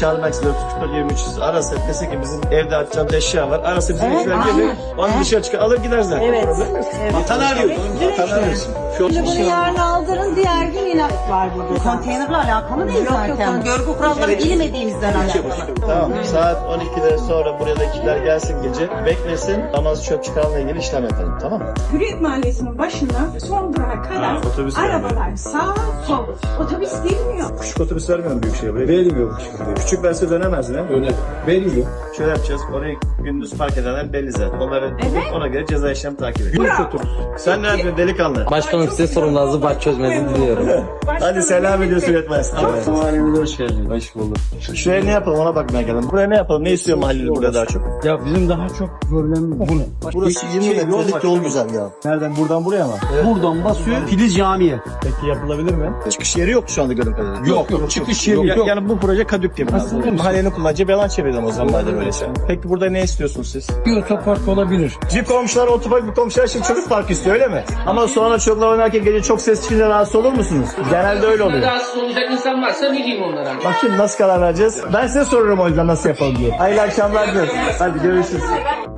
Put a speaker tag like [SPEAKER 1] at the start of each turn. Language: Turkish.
[SPEAKER 1] çağırmak istiyor. 23 arası dese ki bizim evde atacağımız eşya var. Arası bizim işler gelir. Onu dışarı çıkar alır gider zaten.
[SPEAKER 2] Evet.
[SPEAKER 1] Problem yok.
[SPEAKER 2] Evet.
[SPEAKER 1] Vatan arıyor. Vatan arıyorsun.
[SPEAKER 2] Şimdi bunu yarın aldırın, diğer gün yine var burada.
[SPEAKER 3] Konteynerle alakalı değil zaten. Görgü kuralları bilmediğimizden alakalı.
[SPEAKER 1] Tamam. Saat 12'den sonra buraya da ekipler gelsin gece. Beklesin. Namaz çöp çıkarma ilgili işlem yapalım. Tamam mı?
[SPEAKER 4] Hürriyet Mahallesi'nin başında son durağa kadar
[SPEAKER 1] otobüs
[SPEAKER 4] arabalar sağ sol. Otobüs girmiyor.
[SPEAKER 1] Küçük otobüs vermiyorum büyük şehirde. Vermiyor küçük verse dönemez değil mi? Öyle. Vermiyor. Şöyle yapacağız. Orayı gündüz park edenler belli zaten. Onları ona göre ceza işlemi takip ediyor. Sen ne yapıyorsun delikanlı?
[SPEAKER 5] Başkanım size sorun lazım, bak çözmenizi diliyorum.
[SPEAKER 1] Hadi selam ediyorsun yetmez.
[SPEAKER 5] Mahallemize hoş geldiniz. Hoş bulduk.
[SPEAKER 1] Şuraya ne yapalım ona bakmaya geldim. Buraya ne yapalım? Ne istiyor mahalleli burada daha çok?
[SPEAKER 5] Ya bizim daha çok problemimiz bu ne?
[SPEAKER 1] Burası 20 metrelik yol güzel ya. Nereden? Buradan buraya mı?
[SPEAKER 5] Buradan basıyor Filiz Camii'ye.
[SPEAKER 1] Peki yapılabilir mi? Çıkış yeri yok şu anda gördüğüm kadarıyla.
[SPEAKER 5] Yok, çıkış yeri yok.
[SPEAKER 1] Yani bu proje kadük gibi. Mahallenin kullanacağı bir alan çevirdim o zaman madem öyleyse. Peki burada ne istiyorsunuz siz?
[SPEAKER 5] Bir otopark olabilir.
[SPEAKER 1] Bir komşular otopark, bir komşular şimdi çocuk parkı istiyor öyle mi? Ama sonra çocuklar oynarken gece çok ses çıkınca rahatsız olur musunuz? Genelde öyle oluyor.
[SPEAKER 6] Rahatsız olacak insan varsa bileyim onlara.
[SPEAKER 1] Bak şimdi nasıl karar vereceğiz? Ben size sorurum o yüzden nasıl yapalım diye. Hayırlı akşamlar diyorum. Hadi görüşürüz.